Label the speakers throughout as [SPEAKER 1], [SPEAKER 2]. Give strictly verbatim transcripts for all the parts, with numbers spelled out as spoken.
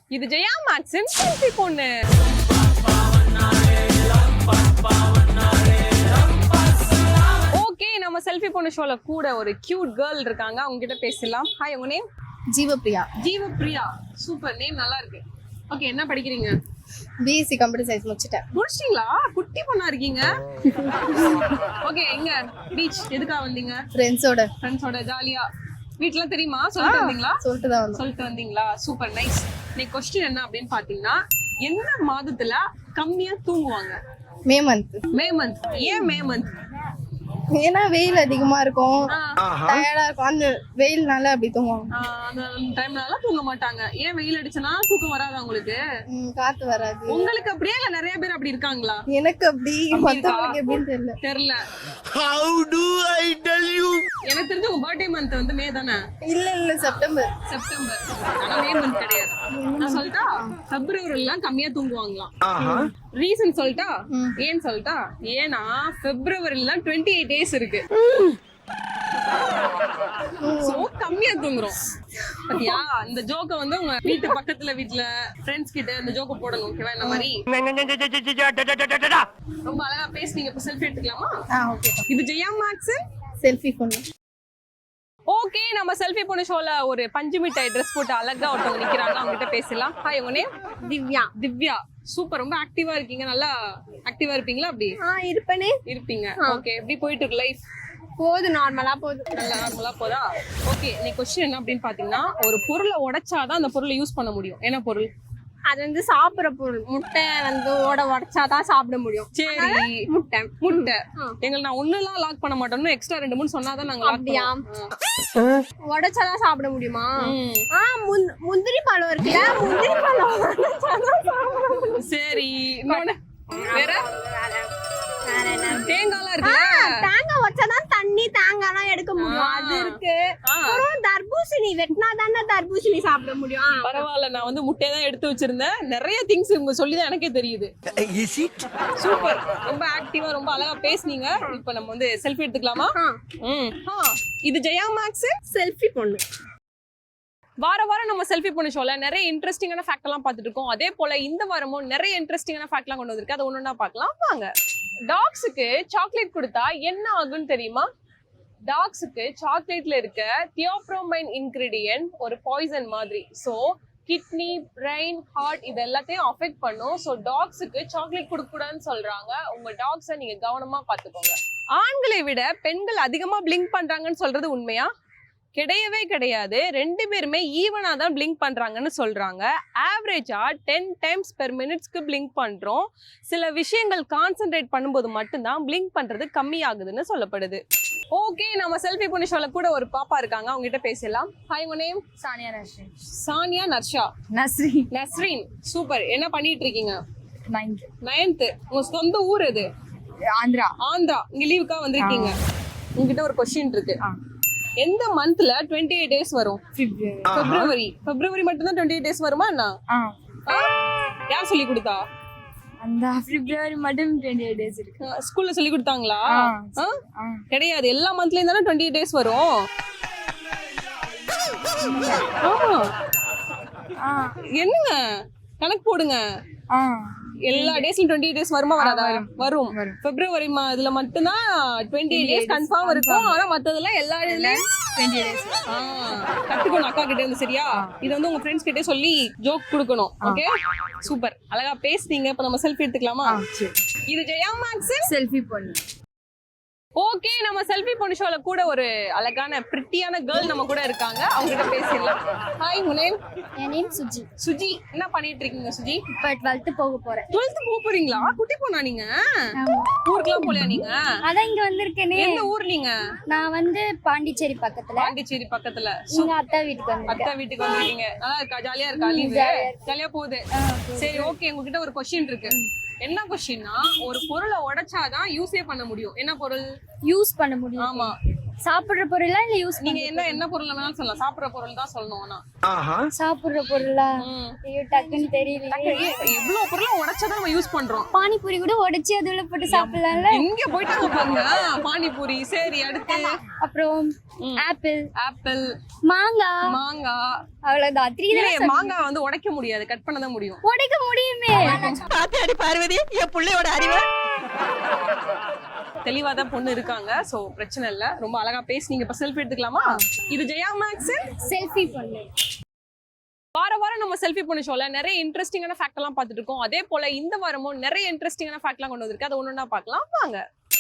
[SPEAKER 1] இது ஜெயா மேக்ஸின் செல்ஃபி பொண்ணு. ஓகே, நம்ம செல்ஃபி பொண்ணு ஷோல கூட ஒரு கியூட் கேர்ள் இருக்காங்க, அவங்க கிட்ட பேசலாம். ஹாய், உங்க name?
[SPEAKER 2] Jeevapriya.
[SPEAKER 1] Jeevapriya, super name, நல்லா இருக்கு. ஓகே, என்ன படிக்கிறீங்க?
[SPEAKER 2] பிஎஸ்சி கம்ப்யூட்டர் சயின்ஸ் முடிச்சிட்டேன்.
[SPEAKER 1] முடிச்சிட்டீங்களா? குட்டி பொண்ணா இருக்கீங்க. ஓகே, எங்க பீச் எதுக்காக வந்தீங்க?
[SPEAKER 2] ஃப்ரெண்ட்ஸோட.
[SPEAKER 1] ஃப்ரெண்ட்ஸோட ஜாலியா. வீட்ல தெரியுமா? சொல்லிட்டு வந்தீங்களா?
[SPEAKER 2] சொல்லிட்டு தான் வந்தோம்.
[SPEAKER 1] சொல்லிட்டு வந்தீங்களா? Super nice. இன்னைக்கு क्वेश्चन என்ன அப்படின்னு பாத்தீங்கன்னா, எந்த மாதத்துல கம்மியா தூங்குவாங்க?
[SPEAKER 2] May month.
[SPEAKER 1] May month. ஏன் மே மந்த்?
[SPEAKER 2] ஏன்னா வெயில் அதிகமா இருக்கும், டயர்டா இருக்கும், அந்த வெயில்னால அப்படி தூங்குவாங்க.
[SPEAKER 1] அந்த டைம்னால தூங்க மாட்டாங்க. ஏன் வெயில் அடிச்சனா தூக்கம் வராதா உங்களுக்கு?
[SPEAKER 2] காத்து வராது.
[SPEAKER 1] உங்களுக்கு அப்படியே இல்ல நிறைய பேர் அப்படி இருக்காங்களா?
[SPEAKER 2] எனக்கு அப்படி, மத்தவங்களுக்கு எப்படின்னு தெரியல.
[SPEAKER 1] தெரியல.
[SPEAKER 3] How do I tell you?
[SPEAKER 1] எனக்கு தெரிஞ்ச உங்க பர்த்டே மந்த் வந்து மே தானே?
[SPEAKER 2] இல்ல இல்ல செப்டம்பர்.
[SPEAKER 1] செப்டம்பர். ஆனா மே மந்த் கிடையாது. நான் சொல்லிட்டா பிப்ரவரில கம்மியா தூங்குவாங்களாம். ரீசன் சொல்லிட்டா? ஏன் சொல்லிட்டா? ஏன்னா பிப்ரவரில இருபத்தி எட்டு டேஸ் இருக்கு. சோ கம்மியா தூங்குறோம். பாத்தியா? இந்த ஜோக்க வந்து உங்க வீட்டு பக்கத்துல வீட்ல ஃப்ரெண்ட்ஸ் கிட்ட இந்த ஜோக்க போடணும். ஓகேவா? இந்த மாதிரி ரொம்ப அழகா பேசுனீங்க. இப்ப செல்ஃபி எடுத்துக்கலாமா?
[SPEAKER 2] ஆ ஓகே.
[SPEAKER 1] இது ஜெயா மேக்ஸ்
[SPEAKER 2] செல்ஃபி பொண்ணு.
[SPEAKER 1] ஓகே, நம்ம செல்ஃபி பொண்ணு ஷோல ஒரு பஞ்சு மிட்டாய் ட்ரெஸ் போட்டு அழகா ஒருத்தவங்க நிக்கிறாங்க, அவங்க கிட்ட பேசலாம். ஹாய், உங்க நேம்?
[SPEAKER 2] திவ்யா.
[SPEAKER 1] திவ்யா, சூப்பர். ரொம்ப ஆக்டிவா இருக்கீங்க. நல்லா ஆக்டிவா இருப்பீங்களா? அப்படி
[SPEAKER 2] ஆ இருப்பனே.
[SPEAKER 1] இருப்பீங்க. ஓகே, எப்படி போயிட்டு இருக்கு லைஃப்?
[SPEAKER 2] போது நார்மலா போகுது.
[SPEAKER 1] நல்லா நார்மலா போதா? ஓகே, நீ क्वेश्चन என்ன அப்படின்னு பாத்தீங்கன்னா, ஒரு பொருளை உடைச்சாதான் அந்த பொருளை யூஸ் பண்ண முடியும். என்ன பொருள்?
[SPEAKER 2] அது வந்து சாப்பிடுற பொருள். முட்டை வந்து ஓட உடைச்சாதான் சாப்பிட முடியும்.
[SPEAKER 1] சரி,
[SPEAKER 2] முட்டை.
[SPEAKER 1] முட்டை. எங்களை நான் ஒண்ணுலாம் லாக் பண்ண மாட்டோம், எக்ஸ்ட்ரா ரெண்டு மூணு சொன்னாதான் நாங்க லாக் பண்ணுவோம்.
[SPEAKER 2] உடைச்சாதான் சாப்பிட முடியுமா? ஆ முந்திரி பழம் இருக்குல்ல, முந்திரி பழம் உடைச்சாதான் சாப்பிட முடியும்.
[SPEAKER 1] சரி, இன்னொன்னு வேற? தேங்காய்லாம் இருக்கு.
[SPEAKER 2] தேங்காய் வச்சாதான் தண்ணி தேங்காய்லாம் எடுக்க முடியும், அது இருக்கு. அப்புறம் தர்பூசணி வெட்டினா தானே தர்பூசணி சாப்பிட முடியும்.
[SPEAKER 1] பரவாயில்ல, நான் வந்து முட்டையை தான் எடுத்து வச்சிருந்தேன். நிறைய திங்ஸ் இவங்க சொல்லிதான் எனக்கே தெரியுது. சூப்பர், ரொம்ப ஆக்டிவா ரொம்ப அழகா பேசுனீங்க. இப்ப நம்ம வந்து செல்ஃபி எடுத்துக்கலாமா? இது ஜெயா மேக்ஸ்
[SPEAKER 2] செல்ஃபி பொண்ணு.
[SPEAKER 1] வார வாரம் நம்ம செல்ஃபி பொண்ணு ஷோல நிறைய இன்ட்ரெஸ்டிங்கான ஃபேக்ட் எல்லாம் பார்த்துட்டு இருக்கோம். அதே போல இந்த வாரமும் நிறைய இன்ட்ரெஸ்டிங்கான ஃபேக்ட் எல்லாம் கொண்டு வந்திருக்கு. அதை ஒன்னொன்னா பார்க்கலாம் வாங்க. டாக்ஸுக்கு சாக்லேட் கொடுத்தா என்ன ஆகும்னு தெரியுமா? டாக்ஸுக்கு சாக்லேட்ல இருக்க தியோப்ரோமைன் இன்கிரிடியன்ட் ஒரு பாய்சன் மாதிரி. ஸோ கிட்னி, பிரெயின், ஹார்ட் இது எல்லாத்தையும் அஃபெக்ட் பண்ணும். ஸோ டாக்ஸுக்கு சாக்லேட் கொடுக்கூடாதுன்னு சொல்றாங்க. உங்க டாக்ஸை நீங்க கவனமா பார்த்துக்கோங்க. ஆண்களை விட பெண்கள் அதிகமா பிளிங்க் பண்றாங்கன்னு சொல்றது உண்மையா? கிடையவே கிடையாது. ரெண்டு பேருமே ஈவனா தான் பிளிங்க் பண்றாங்கன்னு சொல்றாங்க. ஆவரேஜா டென் டைம்ஸ் பெர் மினிட்ஸ்க்கு பிளிங்க் பண்றோம். சில விஷயங்கள் கான்சென்ட்ரேட் பண்ணும்போது மட்டும்தான் பிளிங்க் பண்றது கம்மியாகுதுன்னு சொல்லப்படுது. ஓகே, நம்ம செல்ஃபி பொண்ணு ஷோல கூட ஒரு பாப்பா இருக்காங்க, அவங்க கிட்ட பேசலாம். ஹாய், உங்க நேம்?
[SPEAKER 2] சானியா நஸ்ரீன்.
[SPEAKER 1] சானியா நர்ஷா.
[SPEAKER 2] நஸ்ரீன்.
[SPEAKER 1] நஸ்ரீன், சூப்பர். என்ன பண்ணிட்டு இருக்கீங்க?
[SPEAKER 2] நைன்த்.
[SPEAKER 1] நைன்த். உங்க சொந்த ஊர் எது?
[SPEAKER 2] ஆந்திரா.
[SPEAKER 1] ஆந்திரா. இங்க லீவுக்கா வந்திருக்கீங்க. உங்ககிட்ட ஒரு கொஸ்டின் இருக்கு. எந்த மந்த்ல இருபத்தி எட்டு டேஸ் வரும்? பிப்ரவரி. பிப்ரவரி மட்டும் தான் இருபத்தி எட்டு டேஸ் வருமா என்ன? யார் சொல்லி கொடுத்தா?
[SPEAKER 2] அந்த பிப்ரவரி மட்டும் இருபத்தி எட்டு டேஸ் இருக்கு.
[SPEAKER 1] ஸ்கூல்ல சொல்லி கொடுத்தாங்களா? கிடையாது, எல்லா மந்த்லயும் தானே இருபத்தி எட்டு டேஸ் வரும். என்னங்க கணக்கு போடுங்க. எல்லா டேஸ்லயும் இருபத்தி எட்டு டேஸ் வருமா வராதா? வரும். பிப்ரவரி இதுல மட்டும்தான் இருபத்தி எட்டு டேஸ் கன்ஃபார்ம் இருக்கும். ஆனா மத்ததெல்லாம் எல்லா இதுலயும் இருபத்தி எட்டு டேஸ். கத்துக்கணும் அக்கா கிட்ட இருந்து. சரியா? இது வந்து உங்க ஃப்ரெண்ட்ஸ் கிட்டே சொல்லி ஜோக் கொடுக்கணும். Okay, super. அழகா பேசுனீங்க. இப்ப நம்ம செல்ஃபி எடுத்துக்கலாமா? இது ஜெயா மேக்ஸ்
[SPEAKER 2] செல்ஃபி பொண்ணு.
[SPEAKER 1] ஓகே, நம்ம செல்ஃபி பொண்ணு ஷோல கூட ஒரு அழகான பிரிட்டியான கேர்ள் நம்ம கூட இருக்காங்க, அவங்க கிட்ட பேசிடலாம். ஹாய், உங்க நேம்?
[SPEAKER 2] என் நேம் சுஜி.
[SPEAKER 1] சுஜி, என்ன பண்ணிட்டு இருக்கீங்க சுஜி?
[SPEAKER 2] இப்ப டுவெல்த் போக போறேன்.
[SPEAKER 1] டுவெல்த் போக போறீங்களா? குட்டி பொண்ணா நீங்க? ஊருக்குலாம் போலையா நீங்க?
[SPEAKER 2] அதான் இங்க வந்திருக்கேனே.
[SPEAKER 1] எந்த ஊர் நீங்க?
[SPEAKER 2] நான் வந்து பாண்டிச்சேரி பக்கத்துல.
[SPEAKER 1] பாண்டிச்சேரி பக்கத்துல.
[SPEAKER 2] எங்க அத்தா வீட்டுக்கு வந்திருக்கேன்.
[SPEAKER 1] அத்தா வீட்டுக்கு வந்திருக்கீங்க. நல்லா இருக்கா? ஜாலியா இருக்கா? லீவு ஜாலியா போகுது. சரி, ஓகே. உங்ககிட்ட ஒரு கொஸ்டின் இருக்கு. என்ன கொஸ்டின்னா, ஒரு பொருளை உடைச்சாதான் யூஸே பண்ண முடியும். என்ன பொருள்?
[SPEAKER 2] யூஸ் பண்ண முடியும்.
[SPEAKER 1] ஆமா,
[SPEAKER 4] சாப்பிடுற பொருளா இல்ல யூஸ்
[SPEAKER 1] நீங்க என்ன என்ன பொருள் வேணாலும் சொல்லலாம், சாப்பிடுற பொருள் தான் சொல்லணும். ஆனா
[SPEAKER 4] சாப்பிடுற பொருளா? ஐயோ டக்குன்னு தெரியல.
[SPEAKER 1] எவ்வளவு பொருளை உடைச்சதான் நம்ம யூஸ் பண்றோம்.
[SPEAKER 4] பானிபூரி கூட உடைச்சு அதுல போட்டு சாப்பிடலாம்ல.
[SPEAKER 1] இங்க போயிட்டாங்க பாருங்க. பானிபூரி. சரி, அடுத்து
[SPEAKER 4] அப்புறம் ஆப்பிள்,
[SPEAKER 1] ஆப்பிள்,
[SPEAKER 4] மாங்காய்.
[SPEAKER 1] மாங்காய்
[SPEAKER 4] அவ்வளவுதான். த்ரீ
[SPEAKER 1] இல்லையே, மாங்காய் வந்து உடைக்க முடியாது, கட் பண்ணதான் முடியும்.
[SPEAKER 4] உடைக்க முடியுமே.
[SPEAKER 5] பாத்தியாடி பார்வதி என் பிள்ளையோட அறிவு.
[SPEAKER 1] தெளிவா தான் பொண்ணு இருக்காங்க, சோ பிரச்சனை இல்ல. ரொம்ப அழகா பேசுனீங்க. இப்ப செல்ஃபி எடுத்துக்கலாமா? இது ஜெயா மேக்ஸ்
[SPEAKER 4] செல்ஃபி பண்ணு.
[SPEAKER 1] வார வாரம் நம்ம செல்ஃபி பொண்ணு ஷோல நிறைய இன்ட்ரெஸ்டிங்கான ஃபேக்ட் எல்லாம் பார்த்துட்டு இருக்கோம். அதே போல இந்த வாரமும் நிறைய இன்ட்ரெஸ்டிங்கான ஃபேக்ட் எல்லாம் கொண்டு வந்திருக்கு. அதை ஒண்ணு ஒண்ணா பார்க்கலாம் வாங்க.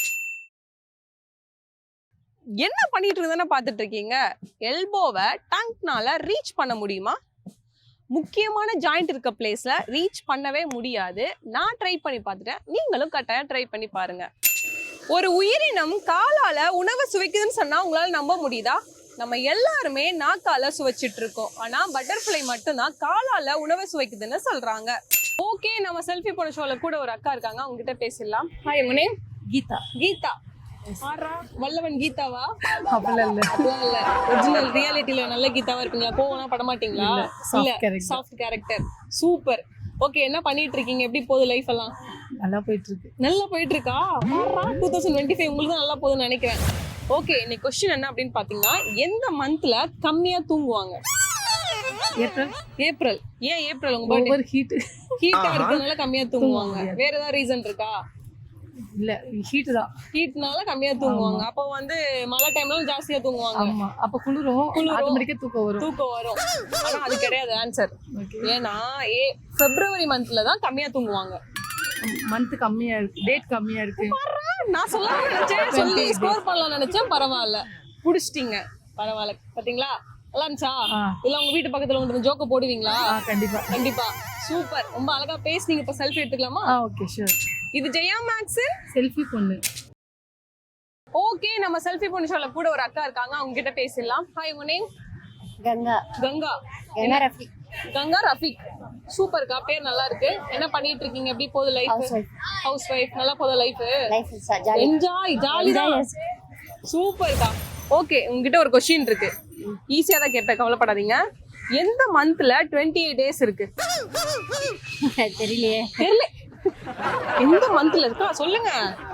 [SPEAKER 1] என்ன பண்ணிட்டு இருந்தானே பார்த்துட்டு இருக்கீங்க. எல்போவை டங்க்னால ரீச் பண்ண முடியுமா? முக்கியமான ஜாயிண்ட் இருக்க பிளேஸ்ல ரீச் பண்ணவே முடியாது. நான் ட்ரை பண்ணி பார்த்துட்டேன், நீங்களும் கட்டாயம் ட்ரை பண்ணி பாருங்க. ஒரு உயிரினம் காலால உணவு சுவைக்குதுன்னு சொன்னா உங்களால நம்ப முடியுதா? நம்ம எல்லாருமே நாக்கால சுவைச்சிட்டு இருக்கோம். ஆனா பட்டர்ஃப்ளை மட்டும்தான் காலால உணவை சுவைக்குதுன்னு சொல்றாங்க. ஓகே, நம்ம செல்ஃபி போன ஷோல கூட ஒரு அக்கா இருக்காங்க, அவங்க கிட்ட பேசிடலாம். ஹாய், உங்க நேம்?
[SPEAKER 5] கீதா.
[SPEAKER 1] கீதா. ஆறா வல்லவன் கீதாவா?
[SPEAKER 5] அப்படிலாம் இல்ல.
[SPEAKER 1] அப்படிலாம் இல்ல. ஒரிஜினல் ரியாலிட்டில நல்ல கீதாவா இருப்பீங்களா? கோவம்லாம் பட மாட்டீங்களா? இல்ல, சாஃப்ட் கேரக்டர். சூப்பர். ஓகே, என்ன பண்ணிட்டு இருக்கீங்க? எப்படி போகுது லைஃப் எல்லாம்?
[SPEAKER 5] நல்லா போயிட்டு இருக்கு.
[SPEAKER 1] நல்லா போயிட்டு இருக்கா? டூ தௌசண்ட் டுவெண்ட்டி ஃபைவ் உங்களுக்கு தான் நல்லா போகுதுன்னு நினைக்கிறேன். ஓகே, இன்னைக்கு கொஸ்டின் என்ன அப்படின்னு பாத்தீங்கன்னா, எந்த மந்த்ல கம்மியா தூங்குவாங்க?
[SPEAKER 5] ஏப்ரல்.
[SPEAKER 1] ஏப்ரல். ஏன் ஏப்ரல்? உங்க பர்த்டே
[SPEAKER 5] ஓவர் ஹீட்.
[SPEAKER 1] ஹீட்டா இருக்கறதுனால கம்மியா தூங்குவாங்க. வேற ஏதாவது ரீசன் இருக்கா?
[SPEAKER 5] இல்ல, ஹீட் தான்.
[SPEAKER 1] ஹீட்னால கம்மியா தூங்குவாங்க. அப்போ வந்து மழை டைம்ல ஜாஸ்தியா தூங்குவாங்க.
[SPEAKER 5] ஆமா, அப்ப குளிரும், ஆட்டோமேட்டிக்கா தூக்கம் வரும்.
[SPEAKER 1] தூக்கம் வரும். ஆனா அது கிடையாது ஆன்சர். ஏன்னா ஏ பிப்ரவரி மந்த்ல தான் கம்மியா தூங்குவாங்க.
[SPEAKER 5] மந்த் கம்மியா இருக்கு, டேட் கம்மியா இருக்கு.
[SPEAKER 1] நான் சொல்லலாம் நினைச்சேன், சொல்லி ஸ்கோர் பண்ணலாம் நினைச்சேன். பரவாயில்ல, புடிச்சிட்டீங்க. பரவாயில்ல, பாத்தீங்களா? நல்லா இருந்துச்சா? இல்ல உங்க வீட்டு பக்கத்துல வந்து ஜோக்க போடுவீங்களா?
[SPEAKER 5] கண்டிப்பா
[SPEAKER 1] கண்டிப்பா. சூப்பர், ரொம்ப அழகா பேசுனீங்க. இப்ப செல்ஃபி எடுத்துக்கலாமா?
[SPEAKER 5] Okay, sure.
[SPEAKER 1] இது ஜெயா மேக்ஸ்
[SPEAKER 5] செல்ஃபி பொண்ணு.
[SPEAKER 1] ஓகே, நம்ம செல்ஃபி பொண்ணு ஷோல கூட ஒரு அக்கா இருக்காங்க, அவங்க கிட்ட பேசிடலாம். ஹாய், உங்க நேம்?
[SPEAKER 4] கங்கா.
[SPEAKER 1] கங்கா.
[SPEAKER 4] என்ன ரஃபிக்?
[SPEAKER 1] கங்கா ரஃபிக். சூப்பர்க்கா, பேர் நல்லா இருக்கு. என்ன பண்ணிட்டு இருக்கீங்க? எப்படி போகுது லைஃப்? House housewife. நல்லா போகுது life?
[SPEAKER 4] Life jolly.
[SPEAKER 1] Enjoy, jolly தான். சூப்பர்க்கா. ஓகே, உங்ககிட்ட ஒரு क्वेश्चन இருக்கு. ஈஸியா தான் கேட்பேன், கவலைப்படாதீங்க. எந்த மந்த்ல டுவெண்ட்டி எயிட் டேஸ் இருக்கு?
[SPEAKER 4] தெரியலையே.
[SPEAKER 1] தெரியல. எந்த மந்த்ல இருக்கா சொல்லுங்க.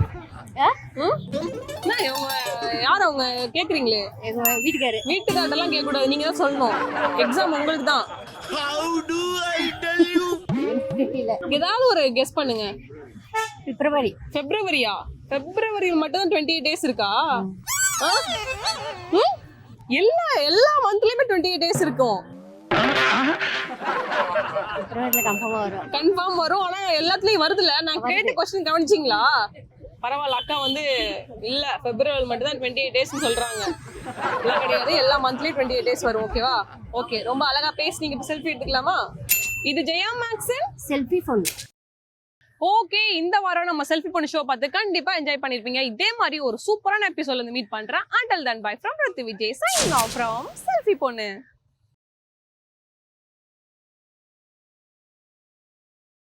[SPEAKER 1] யார் அவங்க கேக்குறீங்களே?
[SPEAKER 4] எங்க வீட்டுக்காரு.
[SPEAKER 1] வீட்டுக்காரெல்லாம் கேட்க கூடாது, நீங்க தான் சொல்லணும். எக்ஸாம் உங்களுக்கு தான்.
[SPEAKER 3] How do I tell you?
[SPEAKER 1] ஏதாவது ஒரு கெஸ் பண்ணுங்க.
[SPEAKER 4] பிப்ரவரி.
[SPEAKER 1] பிப்ரவரியா? பிப்ரவரி மட்டும் தான் டுவெண்ட்டி எயிட் டேஸ் இருக்கா? ஆ? ம்? எல்லா எல்லா மந்த்லயுமே டுவெண்ட்டி எயிட் டேஸ் இருக்கும்.
[SPEAKER 4] பிப்ரவரியில கன்ஃபார்மா வரும்.
[SPEAKER 1] கன்ஃபார்ம் வரும். ஆனா எல்லாத்துலயும் வருதுல. நான் கேட்ட क्वेश्चन கவனிச்சீங்களா? பரவாயில்ல, அக்கா வந்து இல்ல பிப்ரவரி மட்டும் தான் டுவெண்ட்டி எயிட் டேஸ் சொல்றாங்க. எல்லாம் கிடையாது, எல்லா மந்த்லயும் டுவெண்ட்டி எயிட் டேஸ் வரும். ஓகேவா? ஓகே, ரொம்ப அழகா பேசுனீங்க. இப்ப செல்ஃபி எடுத்துக்கலாமா? இது ஜெயா மேக்ஸ்
[SPEAKER 4] செல்ஃபி பொண்ணு.
[SPEAKER 1] ஓகே, இந்த வாரம் நம்ம செல்ஃபி பொண்ணு ஷோ பார்த்து கண்டிப்பா என்ஜாய் பண்ணிருப்பீங்க. இதே மாதிரி ஒரு சூப்பரான எபிசோட்ல இருந்து மீட் பண்றேன். until then bye from Ritu Vijay signing off from selfie பொண்ணு.